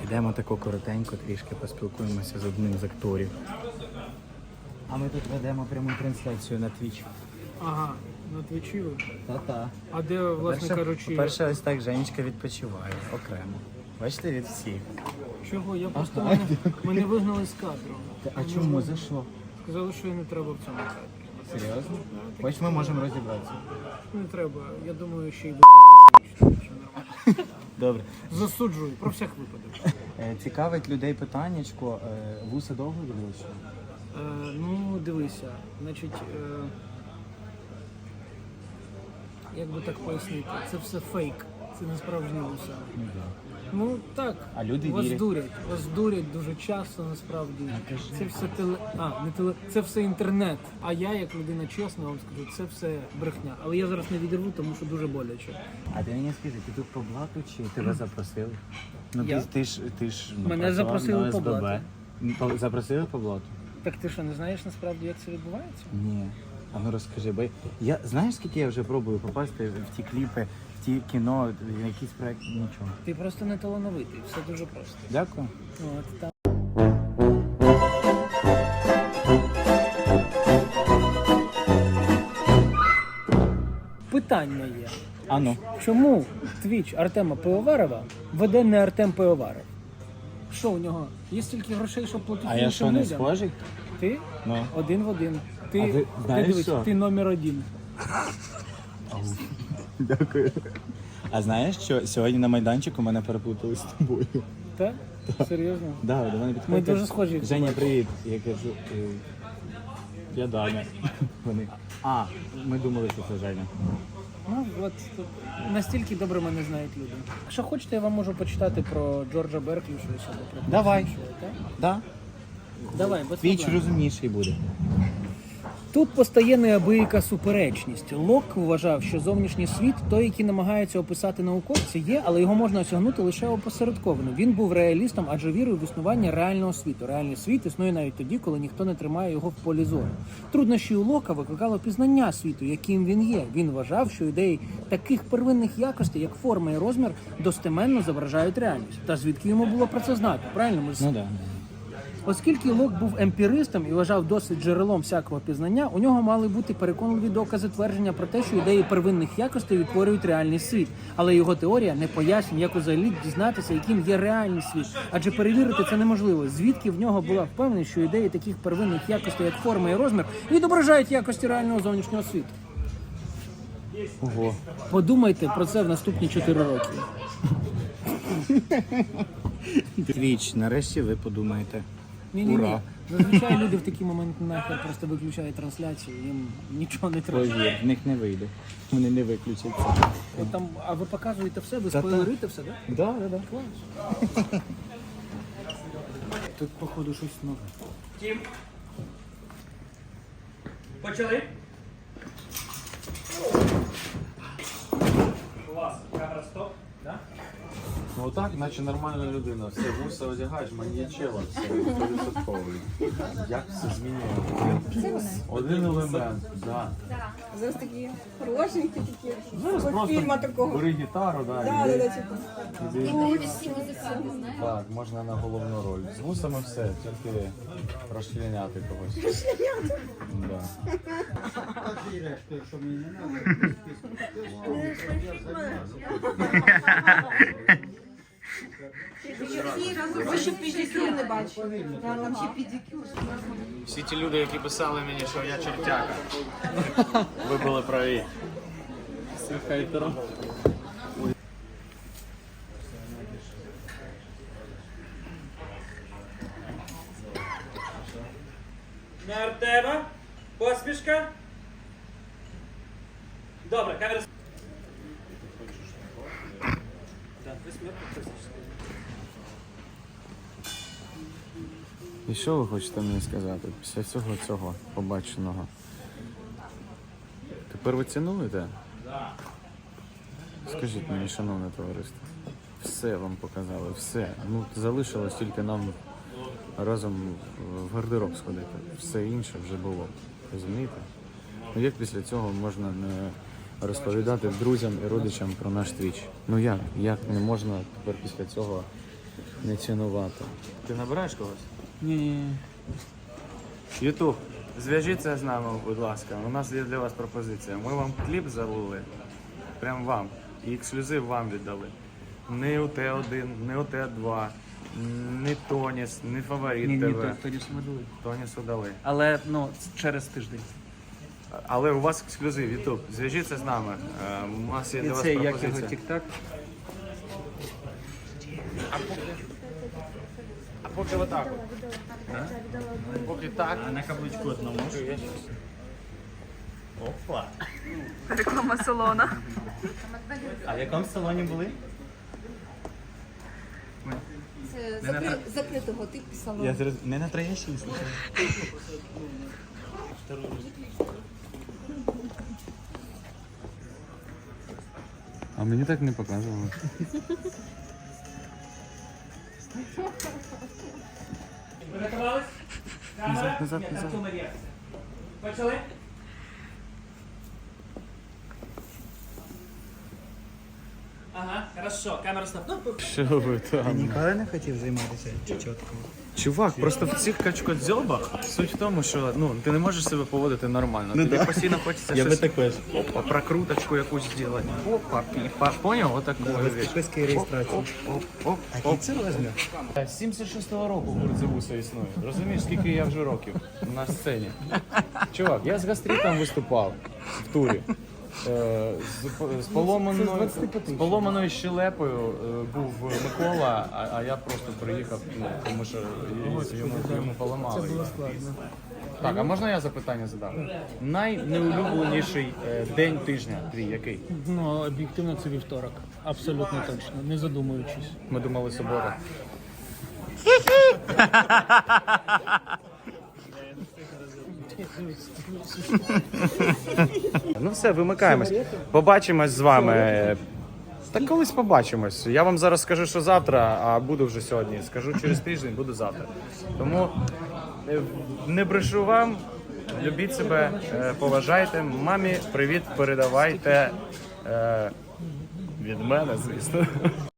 Йдемо тако коротенько, трішки поспілкуємося з одним з акторів. А ми тут ведемо пряму трансляцію на Twitch. Ага, на Твічі ви? Та-та. А де, власне кажучи... По-перше, ось так Женечка відпочиває окремо. Бачите, від всіх. Чого? Я просто мене вигнали з кадру. А чому? За що? Сказали, що не треба в цьому кадрі. Серйозно? Хоч ми можемо розібратися. Не треба. Я думаю, ще й до що нормально. Добре. Засуджую, про всяк випадок. Цікавить людей питаннячко. Вуса довго відлучили? Ну, дивися, значить, як би так пояснити, це все фейк, це не справжні вуса. Ну так, А люди вас вірять. дурять. Вас дурять дуже часто насправді. Це все це все інтернет. А я, як людина чесна, вам скажу, це все брехня. Але я зараз не відірву, тому що дуже боляче. А ти мені скажи, ти тут по блату чи тебе запросили? Ну Я? ти ж Мене працював запросили на по ОСББ. блату. Запросили по блату? Так ти що, не знаєш насправді, як це відбувається? Ні. А ну розкажи, бо я знаєш, скільки я вже пробую попасти в ті кліпи, в ті кіно, в якийсь проект, нічого. Ти просто не талановитий, все дуже просто. Дякую. От, так. Питання є. А ну. Чому твіч Артема Пивоварова веде не Артем Пивоваров? Що у нього? Є стільки грошей, щоб платити А я іншим що, не людям? схожий? Ти? Ну. Один в один. А Ти, ви знаєш дивись, що? ти номер один. Дякую. А знаєш, що сьогодні на майданчику мене переплутали з тобою? Так? Серйозно? Да, до мене підходять. Ми дуже схожі. Женя, привіт. Я кажу, я Даня. Вони. А, ми думали, що це Женя. Ну, от тут настільки добре мене знають люди. Якщо хочете, я вам можу почитати про Джорджа Берклі, щось або про Давай. щось, так? Да? Давай, без Твіч проблем. розумніший буде. Тут постає неабияка суперечність. Лок вважав, що зовнішній світ, той, який намагаються описати науковці, є, але його можна осягнути лише опосередковано. Він був реалістом, адже вірив в існування реального світу. Реальний світ існує навіть тоді, коли ніхто не тримає його в полі зору. Труднощі у Лока викликало пізнання світу, яким він є. Він вважав, що ідеї таких первинних якостей, як форма і розмір, достеменно зображають реальність. Та звідки йому було про це знати? Правильно? Ми ж Ну да. Оскільки Лок був емпіристом і вважав досвід джерелом всякого пізнання, у нього мали бути переконливі докази твердження про те, що ідеї первинних якостей відтворюють реальний світ. Але його теорія не пояснює, як взагалі дізнатися, яким є реальний світ. Адже перевірити це неможливо. Звідки в нього була впевненість, що ідеї таких первинних якостей, як форма і розмір, відображають якості реального зовнішнього світу. Ого. Подумайте про це в наступні 4 роки. Твіч, нарешті ви подумаєте. Ні-ні-ні. Ура. Зазвичай люди в такі моменти нахер просто виключають трансляцію, їм нічого не треба. Повір, в них не вийде. Вони не виключаться. От там, а ви показуєте все, ви Та-та. спойлерите все, так? Да, да, да. Клас. Тут, походу, щось нове. Тім. Почали. Клас. Камера стоп. Да? Ну отак, наче нормальна людина. Все, вуса одягаєш, маньячела, все, 100%. Як все змінює? Один елемент, да. Зараз такі хорошенькі такі. Зараз З фільму такого. бери гітару, да, Да, і да, типу. так, можна на головну роль. З вусами все, тільки розчленяти когось. Да. Ви ще педикюр не бачили. Там ще педикюр. Всі ті люди, які писали мені, що я чертяка. Ви були праві. Всім хейтером. На Артема. Посмішка. Добре, камера. І що ви хочете мені сказати після всього цього побаченого? Тепер ви цінуєте? Скажіть мені, шановне товариство, все вам показали, все. Ну, залишилось тільки нам разом в гардероб сходити. Все інше вже було. Розумієте? Ну як після цього можна не розповідати друзям і родичам про наш твіч? Ну як? Як не можна тепер після цього Не цінувати. Ти набираєш когось? Ні. Ютуб, зв'яжіться з нами, будь ласка. У нас є для вас пропозиція. Ми вам кліп залили, прям вам. І ексклюзив вам віддали. Не УТ-1, не УТ-2, не Тоніс, не Фаворит Ні, ТВ. тоді смадили. Тонісу дали. Але ну через тиждень. Але у вас ексклюзив, Ютуб. Зв'яжіться з нами. У нас є для вас Це як його пропозиція. тік-так. А поки отак от. Поки так. На каблучку одному. Опа. Реклама салона. А в якому салоні були? Закритого типу салону. Не на Троєщині, слухай. А мені так не показували. Приготувались? Камера? Назад, Ні, назад. картуна є. Почали? Ага, хорошо, камера стоп. Ну, Що ви там? Ніколи не хотів займатися чечоткою? Чувак, просто в цих качкодзьобах суть в тому, що ти не можеш себе поводити нормально. Тобі постійно хочеться щось опа, прокруточку якусь зробити. Опа, піпа. Поняв? Отаку річ. Підписки реєстрації. Оп, А який це розмір? З 76-го року гурт Зевуса існує. Розумієш, скільки я вже років на сцені. Чувак, я з гастритом виступав в турі. З поломаною щелепою був Микола, а я просто приїхав, тому що йому поламали. Це було складно. Так, а можна я запитання задам? Найнеулюбленіший день тижня твій який? Ну, об'єктивно це вівторок. Абсолютно точно, не задумуючись. Ми думали субота. Ну все, вимикаємось. Побачимось з вами. Та колись побачимось. Я вам зараз скажу, що завтра, а буду вже сьогодні. Скажу через тиждень, буду завтра. Тому не брешу вам, любіть себе, поважайте. Мамі привіт передавайте від мене, звісно.